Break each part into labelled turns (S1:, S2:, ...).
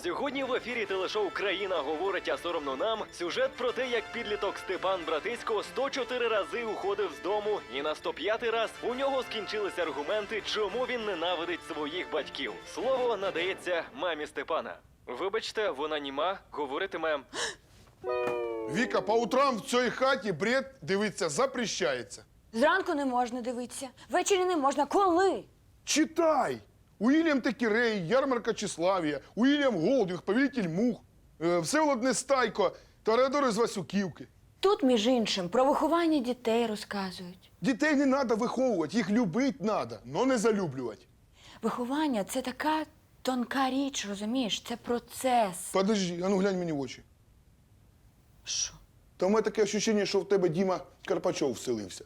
S1: Сьогодні в ефірі телешоу «Країна говорить, а соромно нам» сюжет про те, як підліток Степан Братисько 104 рази уходив з дому, і на 105-й раз у нього скінчилися аргументи, чому він ненавидить своїх батьків. Слово надається мамі Степана. Вибачте, вона німа, говоритиме...
S2: Віка, по утрам в цій хаті бред дивитися запрещається.
S3: Зранку не можна дивитися, ввечері не можна. Коли?
S2: Читай! Уільям Текірей, Ярмарка Тщеславія, Уільям Голдвіг, Повелитель мух, Всеволод Нестайко, Тореадор із Васюківки.
S3: Тут, між іншим, про виховання дітей розказують.
S2: Дітей не треба виховувати, їх любити треба, но не залюблювати.
S3: Виховання – це така тонка річ, розумієш? Це процес.
S2: Подожди, а ну глянь мені в очі.
S3: Що?
S2: Та в мене таке відчуття, що в тебе Діма Карпачов вселився.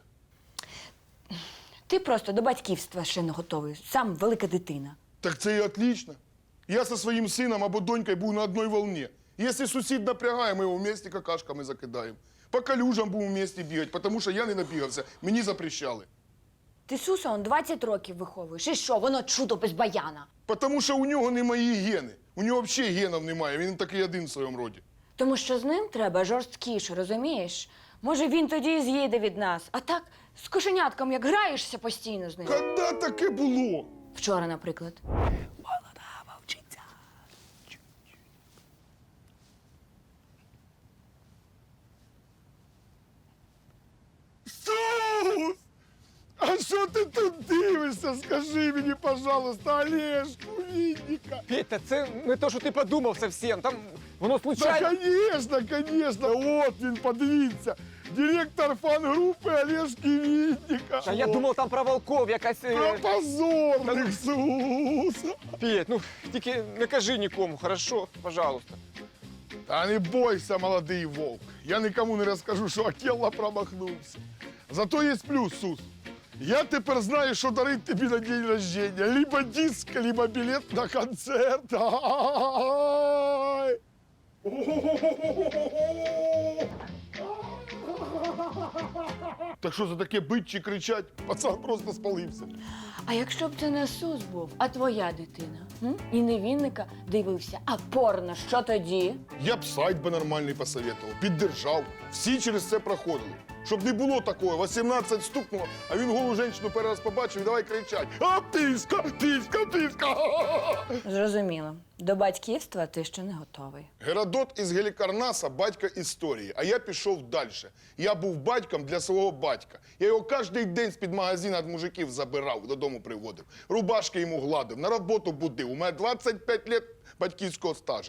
S3: Ти просто до батьківства ще не готовий. Сам велика дитина.
S2: Так це і отлично. Я зі своїм сином або донькою був на одній волні. Якщо сусід напрягає, ми його вместе какашками закидаємо. По калюжам будемо вместе бігати, тому що я не набігався, мені запрещали.
S3: Ти Суса он 20 років виховуєш. І що, воно чудо без баяна.
S2: Тому що у нього не мої гени. У нього взагалі генів немає, він такий один в своєму роді.
S3: Тому що з ним треба жорсткіше, розумієш? Може, він тоді і з'їде від нас. А так, з кошенятком, як граєшся постійно з ним.
S2: Коли таке було?
S3: Вчора, наприклад.
S4: Молода вовчиця.
S2: Сус! А що ти тут дивишся? Скажи мені, пожалуйста, Олежку, Вінника.
S4: Петя, це не то, що ти подумав совсем. Там воно
S2: Да,
S4: случайно.
S2: конечно. От він, подивіться. Директор фан-групи Олежки Вінника.
S4: А я думав, там про волков якась.
S2: Про позорних Суса.
S4: Петь, ну тільки не кажи нікому, хорошо? Пожалуйста.
S2: Та не бойся, молодий вовк. Я нікому не розкажу, що Акелла промахнувся. Зато є плюс, Сус. Я тепер знаю, що дарить тобі на день рождения. Либо диск, либо білет на концерт. Ай! Так що за таке бить чи кричать? Пацан просто спалився.
S3: А якщо б це не Сус був, а твоя дитина? І не Вінника дивився, а порно, що тоді?
S2: Я б сайт би нормальний посоветував, піддержав. Всі через це проходили. Щоб не було такого, 18 стукнуло, а він голу жінку перший раз побачив і давай кричать: «А, писька, писька, писька!»
S3: Зрозуміло. До батьківства ти ще не готовий.
S2: Геродот із Гелікарнаса – батько історії, а я пішов далі. Я був батьком для свого батька. Я його кожен день з-під магазину від мужиків забирав, додому приводив. Рубашки йому гладив, на роботу будив. У мене 25 років батьківського стажа.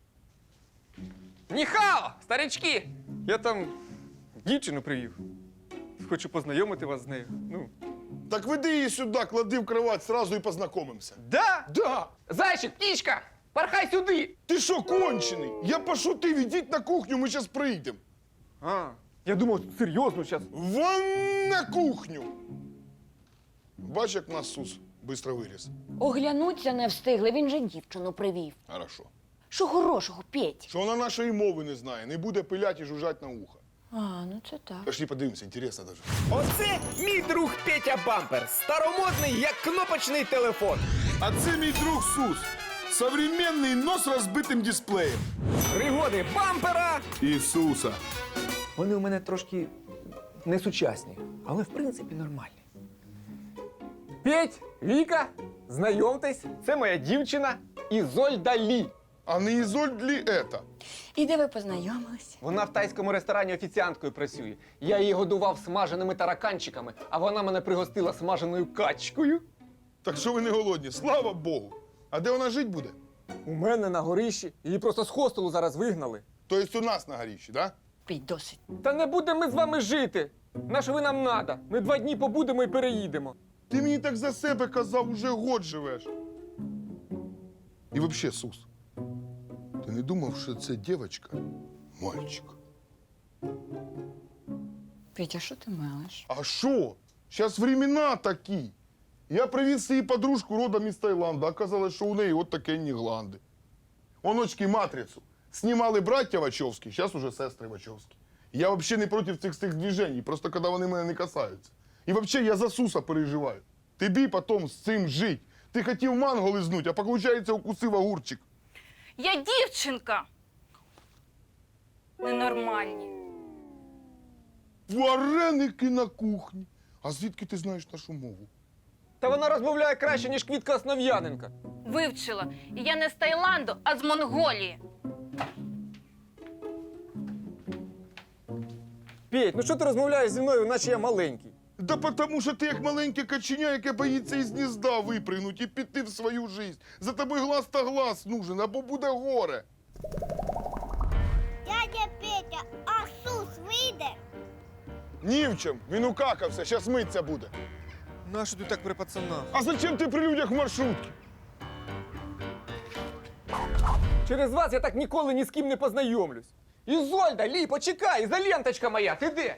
S4: Ніхао, старички! Я там дівчину привів. Хочу познайомити вас з нею. Ну.
S2: Так веди її сюди, клади в кровать, сразу і познайомимося.
S4: Да?
S2: Да!
S4: Зайчик, птічка! Порхай сюди!
S2: Ти що, кончений? Я пошутив, ідіть на кухню, ми зараз прийдемо.
S4: А, я думав, серйозно зараз.
S2: Вон на кухню! Бач, як нас Сус швидко виріс.
S3: Оглянуться не встигли, він же дівчину привів.
S2: Хорошо.
S3: Що хорошого, Петь?
S2: Що вона нашої мови не знає, не буде пилять і жужжать на ухо.
S3: А, ну це так.
S2: Пошли подивимося, інтересно даже.
S5: Оце мій друг Петя Бампер. Старомодний, як кнопочний телефон.
S2: А це мій друг Сус. Современний, но з розбитим дисплеєм.
S5: Пригоди бампера.
S2: Ісуса.
S5: Вони у мене трошки несучасні, але в принципі нормальні.
S4: Петь, Віка, знайомтесь, це моя дівчина Ізольда Лі.
S2: А не Ізольд лі ета?
S3: І де ви познайомилися?
S4: Вона в тайському ресторані офіціанткою працює. Я її годував смаженими тараканчиками, а вона мене пригостила смаженою качкою.
S2: Так що ви не голодні, слава Богу. А де вона жить буде?
S4: У мене на горищі. Її просто з хостелу зараз вигнали.
S2: Тобто у нас на горіщі, да?
S3: Петь, досить.
S4: Та не будемо ми з вами жити. На що ви нам надо? Ми 2 дні побудемо і переїдемо.
S2: Ти мені так за себе казав, уже год живеш. І взагалі, Сус, ти не думав, що це дівчинка – мальчик?
S3: Петя, що ти мелиш?
S2: А що? Зараз времена такі. Я привіз її подружку родом із Таїланда, оказалось, що у неї от такі гланди. Оночки «Матрицю» знімали браття Вачовські, зараз уже сестри Вачовські. Я взагалі не проти цих движень, просто коли вони мене не касаються. І взагалі я за Суса переживаю. Тобі потім з цим жить. Ти хотів манго лизнуть, а виходить, укусив огурчик.
S6: Я дівчинка. Ненормальні.
S2: Вареники на кухні. А звідки ти знаєш нашу мову?
S4: Та вона розмовляє краще, ніж Квітка Основ'яненка.
S6: Вивчила. І я не з Таїланду, а з Монголії.
S4: Петь, ну що ти розмовляєш зі мною, наче я маленький?
S2: Да потому що ти як маленьке каченя, яке боїться із гнізда випригнуть і піти в свою жизнь. За тобою глаз та глаз нужен, або буде горе.
S7: Дядя Петя, а Сус вийде?
S2: Ні в чим, він укакався, щас миться буде.
S4: Нащо ти так при пацанах?
S2: А зачем ти при людях в маршрутці?
S4: Через вас я так ніколи ні з ким не познайомлюсь. Ізольда, Лі, почекай, ізоленточка моя, ти де?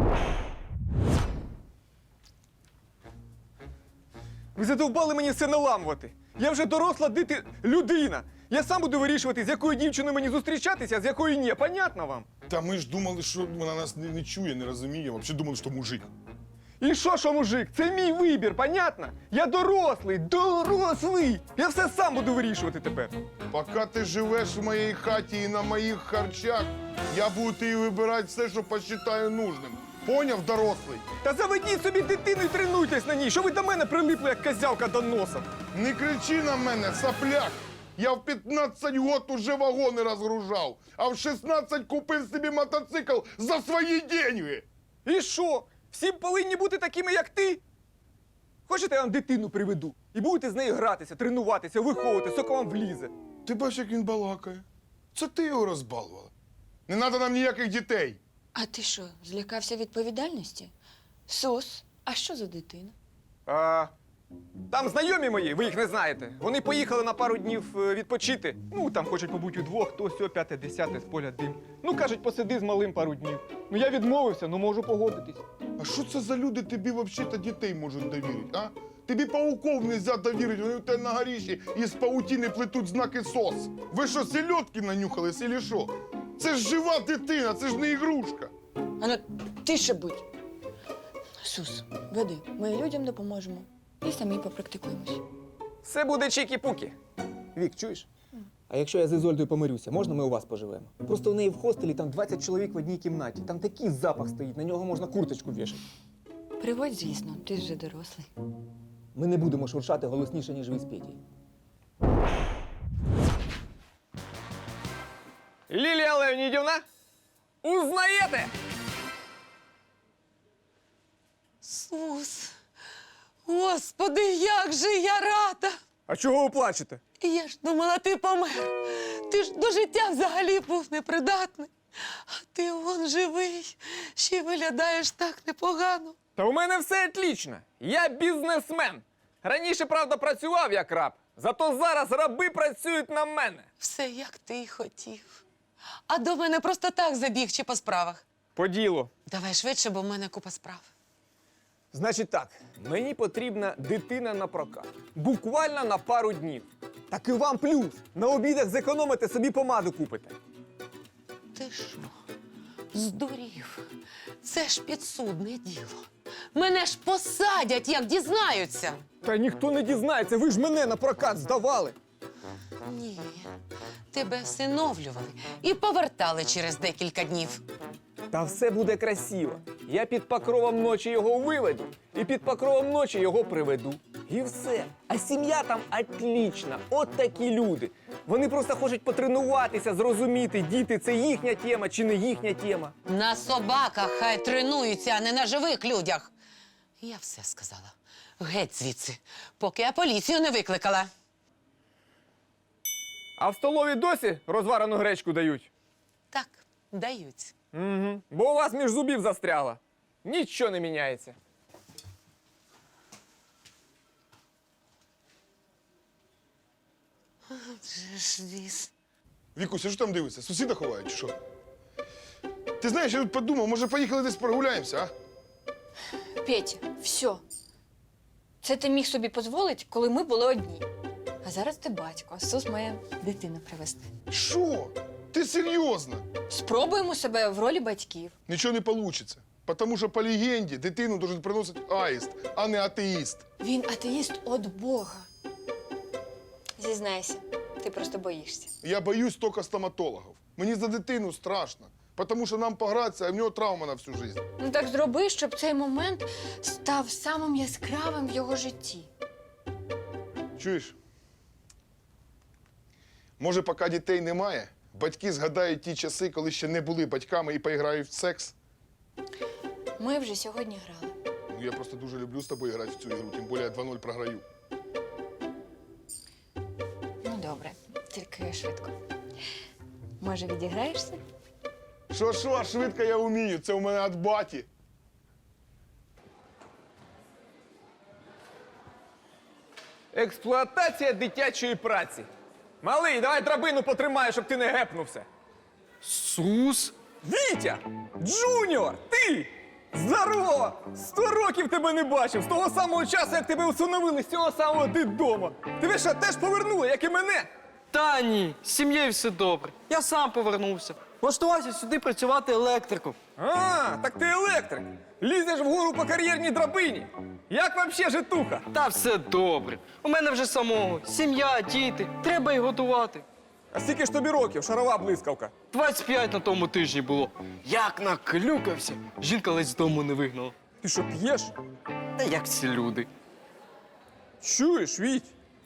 S4: Ви задовбали мені все наламувати. Я вже доросла людина. Я сам буду вирішувати, з якою дівчиною мені зустрічатися, а з якою ні. Понятно вам?
S2: Та ми ж думали, що вона нас не чує, не розуміє. Взагалі думали, що мужик.
S4: І що, мужик? Це мій вибір, понятно? Я дорослий! Я все сам буду вирішувати тепер.
S2: Поки ти живеш в моїй хаті і на моїх харчах, я буду тобі вибирати все, що посчитаю нужним. Поняв, дорослий?
S4: Та заведіть собі дитину і тренуйтесь на ній. Що ви до мене прилипли, як козявка до носа?
S2: Не кричи на мене, сопляк! Я в 15 год уже вагони розгружав, а в 16 купив собі мотоцикл за свої деньги.
S4: І що? Всі повинні бути такими, як ти? Хочете, я вам дитину приведу? І будете з нею гратися, тренуватися, виховувати, соко вам влізе.
S2: Ти бачиш, як він балакає. Це ти його розбалувала. Не треба нам ніяких дітей.
S3: А ти що, злякався відповідальності? Сус, а що за дитина?
S4: Там знайомі мої, ви їх не знаєте. Вони поїхали на пару днів відпочити. Ну, там хочуть побути удвох, то сьо, п'яте, десяте, з поля дим. Ну, кажуть, посиди з малим пару днів. Ну, я відмовився, ну можу погодитись.
S2: А що це за люди тобі взагалі дітей можуть довірити, а? Тобі пауков нельзя довірити, вони у тебе на горіші із паутини плетуть знаки СОС. Ви що, селедки нанюхались, или що? Це ж жива дитина, це ж не ігрушка.
S3: А ну, тише будь. Сус, веди, ми людям допоможемо і самі попрактикуємось.
S4: Все буде чікі-пукі. Вік, чуєш? А якщо я з Ізольдою помирюся, можна ми у вас поживемо? Просто в неї в хостелі там 20 чоловік в одній кімнаті. Там такий запах стоїть, на нього можна курточку вішати.
S3: Приводь, звісно, ти ж вже дорослий.
S4: Ми не будемо шуршати голосніше, ніж ви з Петєю. Лілія Леонідівна, узнаєте?
S8: Сус, Господи, як же я рада!
S4: А чого ви плачете?
S8: Я ж думала, ти помер. Ти ж до життя взагалі був непридатний. А ти вон живий, ще й виглядаєш так непогано.
S4: Та у мене все отлично. Я бізнесмен. Раніше, правда, працював як раб. Зато зараз раби працюють на мене.
S8: Все, як ти й хотів. А до мене просто так забіг чи по справах.
S4: По ділу.
S8: Давай швидше, бо в мене купа справ.
S4: Значить так, мені потрібна дитина на прокат. Буквально на пару днів. Так і вам плюс. На обідах зекономите, собі помаду купите.
S8: Ти що, здурів? Це ж підсудне діло. Мене ж посадять, як дізнаються.
S4: Та ніхто не дізнається, ви ж мене на прокат здавали.
S8: Ні, тебе всиновлювали і повертали через декілька днів.
S4: Та все буде красиво. Я під покровом ночі його виведу і під покровом ночі його приведу. І все. А сім'я там отлічна. От такі люди. Вони просто хочуть потренуватися, зрозуміти, діти, це їхня тема чи не їхня тема.
S8: На собаках хай тренуються, а не на живих людях. Я все сказала. Геть звідси, поки я поліцію не викликала.
S4: А в столові досі розварену гречку дають?
S8: Так, дають.
S4: Угу. Бо у вас між зубів застряло. Нічого не міняється.
S8: Вже ж віз.
S2: Вікуся, що там дивишся? Сусіда ховають, чи що? Ти знаєш, я тут подумав, може поїхали десь прогуляємося, а?
S3: Петя, все. Це ти міг собі дозволити, коли ми були одні. А зараз ти батько, а Сус має дитину привезти.
S2: Що? Ти серйозно?
S3: Спробуємо себе в ролі батьків.
S2: Нічого не вийде. Тому що по легенді дитину должен приносити аїст, а не атеїст.
S3: Він атеїст від Бога. Зізнайся, Ти просто боїшся.
S2: Я боюсь тільки стоматологів. Мені за дитину страшно, тому що нам погратися, а в нього травма на всю життя.
S3: Ну так зроби, щоб цей момент став самим яскравим в його житті.
S2: Чуєш? Може, поки дітей немає, батьки згадають ті часи, коли ще не були батьками і поіграють в секс?
S3: Ми вже сьогодні грали.
S2: Ну, я просто дуже люблю з тобою грати в цю ігру, тим більше я 2-0 програю.
S3: Ну добре, тільки швидко. Може, відіграєшся?
S2: Що, швидко я вмію, це у мене від баті.
S4: Експлуатація дитячої праці. Малий, давай драбину потримай, щоб ти не гепнувся.
S5: Сус?
S4: Вітя! Джуніор! Ти! Здорово! 100 років тебе не бачив! З того самого часу, як тебе усиновили, з цього самого дитдому! Тебе що, теж повернули, як і мене?
S5: Та ні, з сім'єю все добре. Я сам повернувся. Влаштувався сюди працювати електриком.
S4: А, так ти електрик! Лізеш вгору по кар'єрній драбині! Як вообще житуха?
S5: Та все добре. У мене вже самого. Сім'я, діти. Треба й готувати.
S4: А скільки ж тобі років, шарова блискавка?
S5: 25 на тому тижні було. Як наклюкався. Жінка ледь з дому не вигнала.
S4: Ти що, п'єш?
S5: Та як ці люди.
S4: Чуєш, Віть?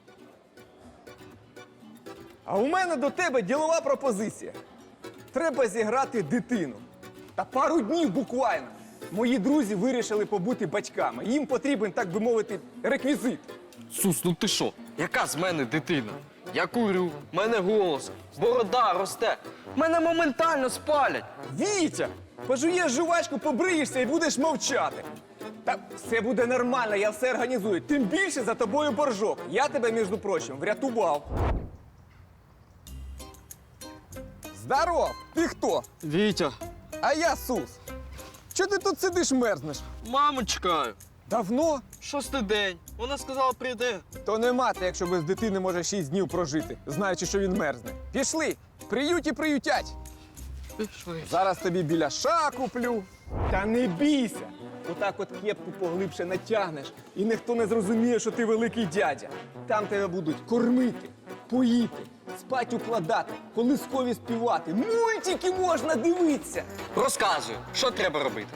S4: А у мене до тебе ділова пропозиція. Треба зіграти дитину. Та пару днів буквально. Мої друзі вирішили побути батьками. Їм потрібен, так би мовити, реквізит.
S5: Сус, ну ти що? Яка з мене дитина? Я курю, в мене голос, борода росте. Мене моментально спалять.
S4: Вітя! Пожуєш жувачку, побриєшся і будеш мовчати. Та все буде нормально, я все організую. Тим більше за тобою боржок. Я тебе, між прочим, врятував. Здоров! Ти хто?
S5: Вітя,
S4: А я Сус. Чого ти тут сидиш, мерзнеш?
S5: маму чекаю.
S4: Давно?
S5: 6-й день. Вона сказала, прийде.
S4: То не мати, якщо без дитини може 6 днів прожити, знаючи, що він мерзне. Пішли, приюті приютять.
S5: Пішли.
S4: Зараз тобі біляша куплю. Та не бійся. Отак от кепку поглибше натягнеш, і ніхто не зрозуміє, що ти великий дядя. Там тебе будуть кормити, поїти, спать укладати, колискові співати. Мультики можна дивитися.
S5: Розказую, що треба робити.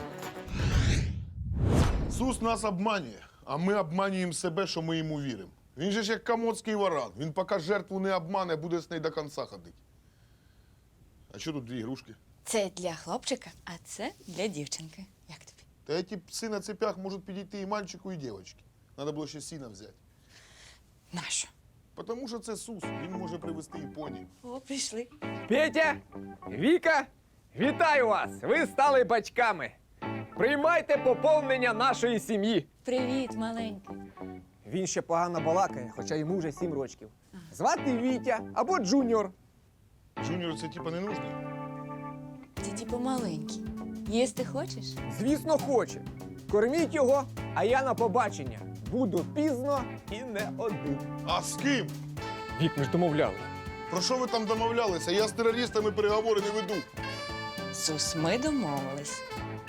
S2: Сус нас обманює, а ми обманюємо себе, що ми йому віримо. Він же ж як комодський варан. Він поки жертву не обмане, буде з нею до кінця ходити. А що тут дві ігрушки?
S3: Це для хлопчика, а це для дівчинки. Як тобі?
S2: Та ці пси на цепях можуть підійти і мальчику, і дівчинці. Треба було ще сіна взяти.
S3: Нащо?
S2: Тому що це Сус, він може привезти і поні.
S3: О, прийшли.
S4: Петя, Віка, вітаю вас! Ви стали батьками. Приймайте поповнення нашої сім'ї.
S3: Привіт, маленький.
S4: Він ще погано балакає, хоча йому вже 7 років. Звати Вітя або Джуніор.
S2: Джуніор це типа не нужний?
S3: Ти типу маленький. Їсти хочеш?
S4: Звісно, хоче. Корміть його, а я на побачення. Буду пізно і не один.
S2: А з ким?
S4: Вік, ми ж домовляли.
S2: Про що ви там домовлялися? Я з терористами переговори не веду.
S3: Сус, ми домовились.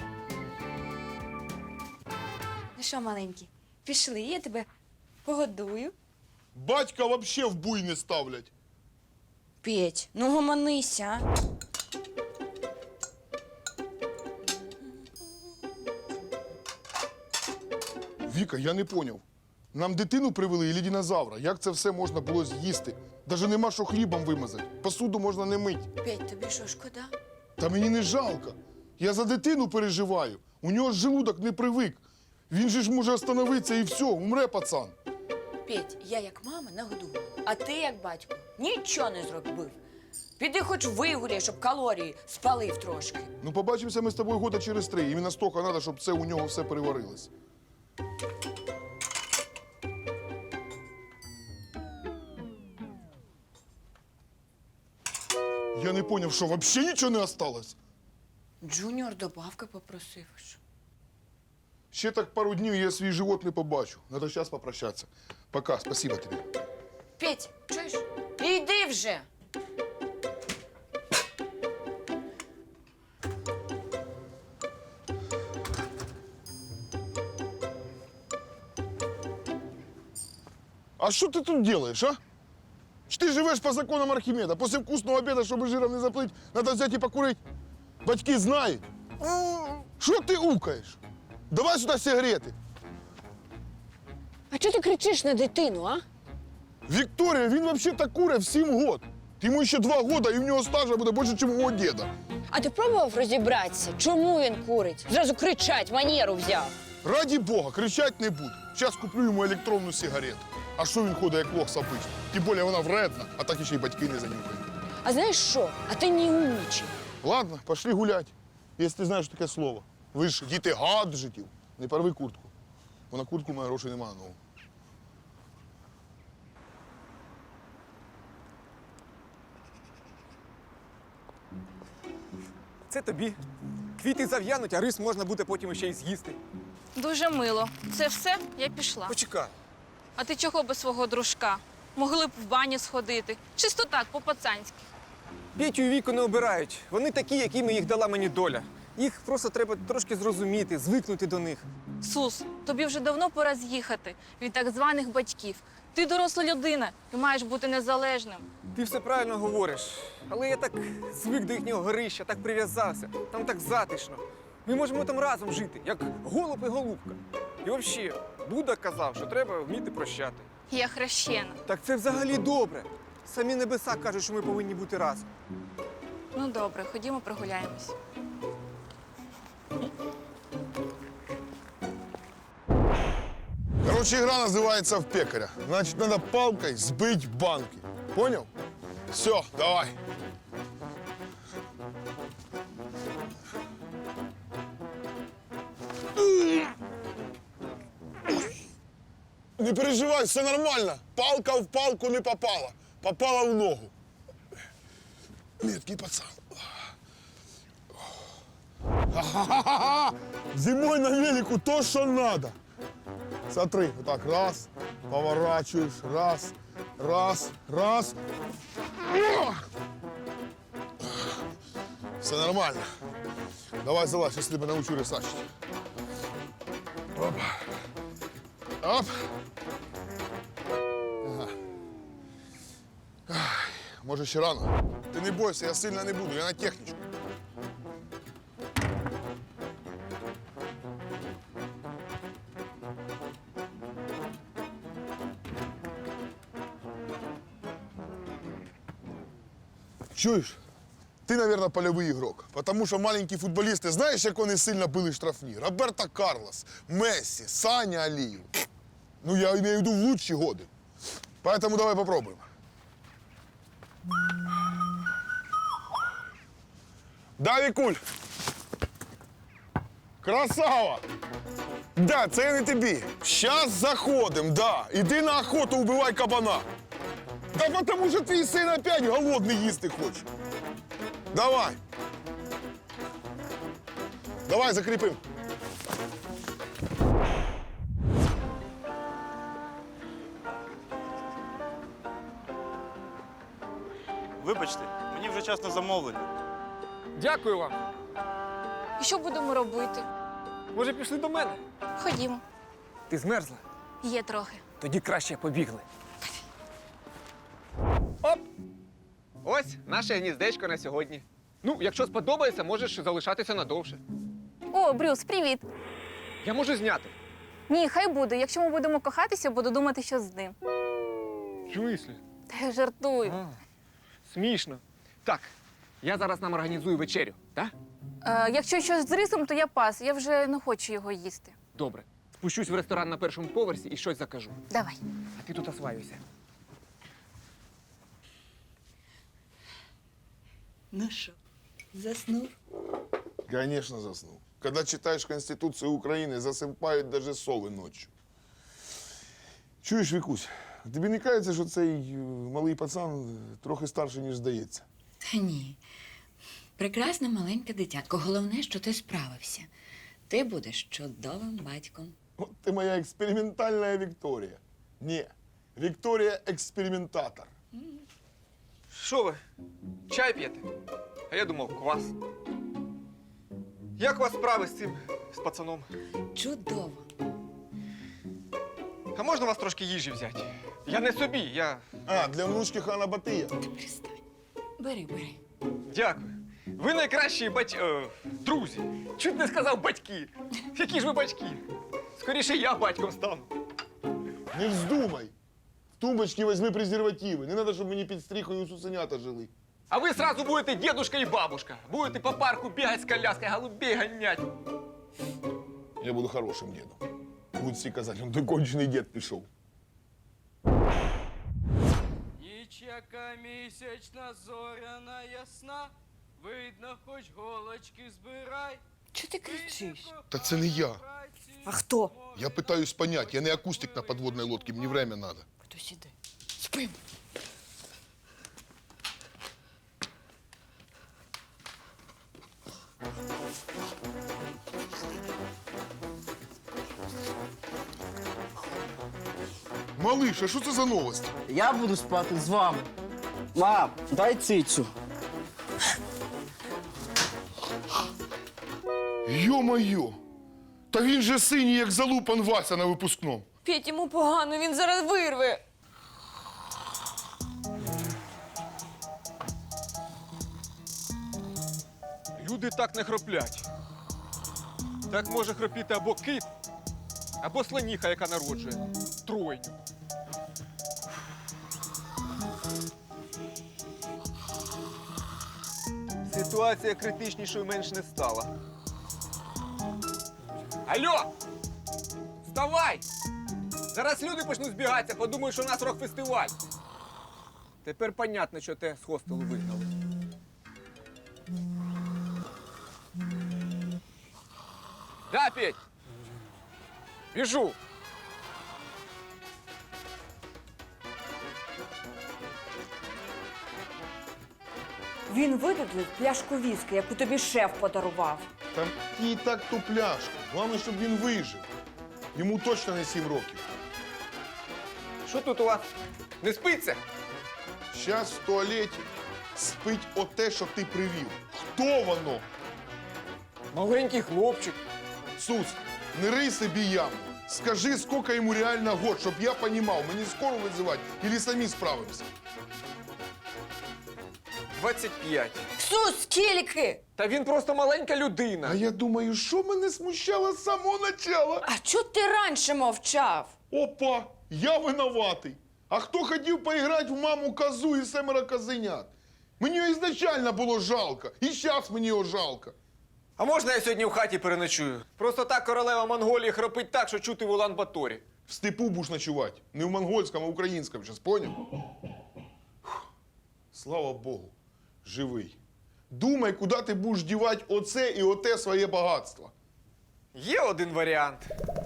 S3: Ну що, маленький, пішли, я тебе погодую.
S2: Батька вообще в буй не ставлять.
S3: Петь, ну гомонися.
S2: Віка, я не поняв. Нам дитину привели і динозавра. Як це все можна було з'їсти? Даже нема що хлібом вимазати. Посуду можна не мить.
S3: Петь, тобі що, шкода?
S2: Та мені не жалко. Я за дитину переживаю. У нього ж желудок не привик. Він же ж може остановитися і все, умре пацан.
S3: Петь, я як мама нагодувала, а ти як батько нічого не зробив. Піди хоч вигуляй, щоб калорії спалив трошки.
S2: Ну, побачимося ми з тобою года через 3. Іменно стільки треба, щоб це у нього все переварилось. Я не поняв, що взагалі нічого не осталось.
S3: Джуніор добавки попросив. Що?
S2: Ще так пару днів, і я свій живот не побачу. Надо зараз попрощатися. Пока, спасибо тобі.
S3: Петь, чуєш? Іди вже!
S2: А що ти тут робиш, а? Що Ти живеш по законам Архімеда. Після вкусного обіду, щоб жиром не заплить, треба взяти і покурити. Батьки знають. Що ти укаєш? Давай сюди сигарети.
S3: А чого ти кричиш на дитину, а?
S2: Вікторія, він взагалі курить в 7 років. Йому ще 2 роки, і в нього стажа буде більше, ніж у мого діда.
S3: А ти пробував розібратися, чому він курить? Зразу кричать, манеру взяв.
S2: Раді Бога, кричати не буду. Зараз куплю йому електронну сигарету. А що він ходить, як лох сапич? Тим більше вона вредна, а так ще й батьки не занюхають.
S3: А знаєш що? А ти не умнічий.
S2: Ладно, пошли гулять, якщо ти знаєш таке слово. Ви ж діти гаджетів. Не порви куртку. Бо на куртку в мене грошей немає. Ну.
S4: Це тобі. Квіти зав'януть, а рис можна буде потім ще й з'їсти.
S6: Дуже мило. Це все? Я пішла.
S4: Почекай.
S6: А ти чого без свого дружка? Могли б в баню сходити. Чисто так, по-пацанськи.
S4: Петю і Віку не обирають. Вони такі, якими їх дала мені доля. Їх просто треба трошки зрозуміти, звикнути до них.
S6: Сус, тобі вже давно пора з'їхати від так званих батьків. Ти доросла людина і маєш бути незалежним.
S4: Ти все правильно говориш. Але я так звик до їхнього горища, так прив'язався. Там так затишно. Ми можемо там разом жити, як голуб і голубка. І взагалі, Будда казав, що треба вміти прощати.
S6: Я хрещена.
S4: Так це взагалі добре. Самі небеса кажуть, що ми повинні бути разом.
S6: Ну добре, ходімо прогуляємось.
S2: Короче, игра называется «В пекаря». Значит, надо палкой сбить банки. Понял? Все, давай. Не переживай, все нормально. Палка в палку не попала. Попала в ногу. Меткий пацан. Ха-ха-ха-ха! Зимой на велику то, что надо. Смотри, вот так, раз, поворачиваешь, раз, раз. Все нормально. Давай, залазь, я тебя научу рисачить. Оп. Оп. Ага. Ах, може, ще рано. Ти не бойся, я сильно не буду, я на технічку. Чуєш? Ти, наверное, польовий ігрок. Потому що маленькі футболісти, знаєш, як вони сильно били штрафні? Роберто Карлос, Мессі, Саня Алієв. Ну, я имею в виду в лучші годи. Поэтому давай попробуем. Да, Вікуль? Красава! Да, це я не тобі. Щас заходим, да. Іди на охоту, убивай кабана. Да потому що твій син опять голодний їсти хоче. Давай. Давай, закріпим.
S9: Вибачте, мені вже час на замовлення.
S4: Дякую вам.
S6: І що будемо робити?
S4: Може, пішли до мене?
S6: Ходімо.
S4: Ти змерзла?
S6: Є трохи.
S4: Тоді краще побігли. Оп! Ось наше гніздечко на сьогодні. Ну, якщо сподобається, можеш залишатися надовше.
S6: О, Брюс, привіт.
S4: Я можу зняти.
S6: Ні, хай буде. Якщо ми будемо кохатися, буду думати, що з ним.
S4: В смислі?
S6: Та я жартую.
S4: Смішно. Так, я зараз нам організую вечерю, так?
S6: Якщо щось з рисом, то я пас. Я вже не хочу його їсти.
S4: Добре. Спущусь в ресторан на першому поверсі і щось закажу.
S6: Давай.
S4: А ти тут осваюйся.
S8: Ну що, заснув?
S2: Конечно, заснул. Когда читаешь Конституцию Украины, засыпают даже совы ночью. Чуєш, Вікусь, тобі не кажеться, що цей малий пацан трохи старший, ніж здається?
S10: Та ні. Прекрасне маленьке дитятко. Головне, що ти справився. Ти будеш чудовим батьком.
S2: От ти моя експериментальна Вікторія. Ні, Вікторія експериментатор.
S4: Що ви? Чай п'єте? А я думав, квас. Як у вас справи з цим, з пацаном?
S10: Чудово.
S4: А можна вас трошки їжі взяти? Я не собі, я.
S2: А, для внучки хана Батия.
S10: Перестань. Бери.
S4: Дякую. Ви найкращі друзі. Чуть не сказав батьки. Які ж ви батьки? Скоріше я батьком стану.
S2: Не вздумай. В тумбочці візьми презервативи. Не треба, щоб мені під стріхою сусенята жили.
S4: А ви сразу будете дедушка і бабушка. Будете по парку бігати з коляской, голубей ганять.
S2: Я буду хорошим дедом. Будуть всі казати, он той кончений дед пішов.
S5: Ніч яка місячна, зоряна ясна, видно, хоч голочки збирай.
S3: Чого ти кричиш?
S2: Та це не я.
S3: А хто?
S2: Я питаюсь понять, я не акустик на подводной лодке, мені время надо.
S3: Хтось іде. Спим.
S2: Малиш, а що це за новості?
S5: Я буду спати з вами. Мам, дай цицю.
S2: Йо-моє! Та він же синій, як залупан Вася на випускному.
S3: Петь, йому погано, він зараз вирве.
S4: Люди так не хроплять. Так може хропіти або кит, або слоніха, яка народжує. Тройню. Ситуація критичнішою менш не стала. Алло! Вставай! Зараз люди почнуть збігатися, подумають, що у нас рок-фестиваль. Тепер понятно, що те з хостелу вигнали. Да, Петь? Біжу.
S3: Він видудлив пляшку віскі, яку тобі шеф подарував.
S2: Там і так ту пляшку. Головне, щоб він вижив. Йому точно не 7 років.
S4: Що тут у вас? Не спиться?
S2: Щас в туалеті спить оте, що ти привів. Хто воно?
S4: Маленький хлопчик.
S2: Сус, не рий собі яму. Скажи, сколько йому реально год, щоб я понімав, мені скоро визивати, или самі справимося.
S4: 25.
S3: Сус, скільки?
S4: Та він просто маленька людина.
S2: А я думаю, що мене смущало з самого начала?
S3: А чого ти раніше мовчав?
S2: Опа, я винуватий. А хто хотів поіграти в маму козу і 7 козенят? Мені його ізначально було жалко, і зараз мені його жалко.
S4: А можна я сьогодні в хаті переночую? Просто так королева Монголії хропить так, що чути в Улан-Баторі.
S2: В степу будеш ночувати. Не в монгольському, а в українському, зараз поняв? Фух. Слава Богу, живий. Думай, куди ти будеш дівати оце і оте своє багатство.
S4: Є один варіант.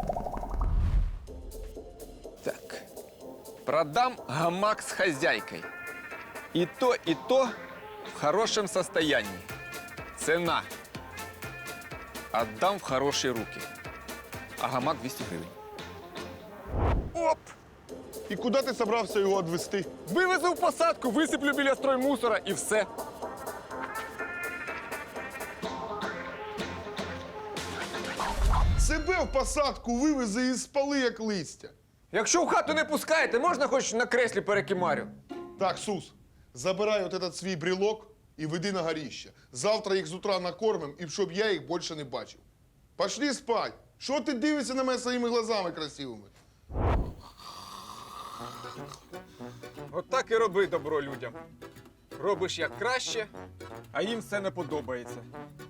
S4: Так. Продам гамак с хозяйкой. И то в хорошем состоянии. Цена. Отдам в хорошие руки. А гамак 200 гривень. Оп!
S2: І куди ти собрався його відвести?
S4: Вивезу в посадку, висиплю біля строймусора і все.
S2: Себе в посадку вивези і спали, як листя.
S4: Якщо в хату не пускаєте, можна хоч на креслі перекимарю?
S2: Так, Сус, забирай от этот свій брелок і веди на горіще. Завтра їх з утра накормим, і щоб я їх більше не бачив. Пошли спать. Що ти дивишся на мене своїми глазами красивими?
S4: От так і роби добро людям. Робиш як краще, а їм все не подобається.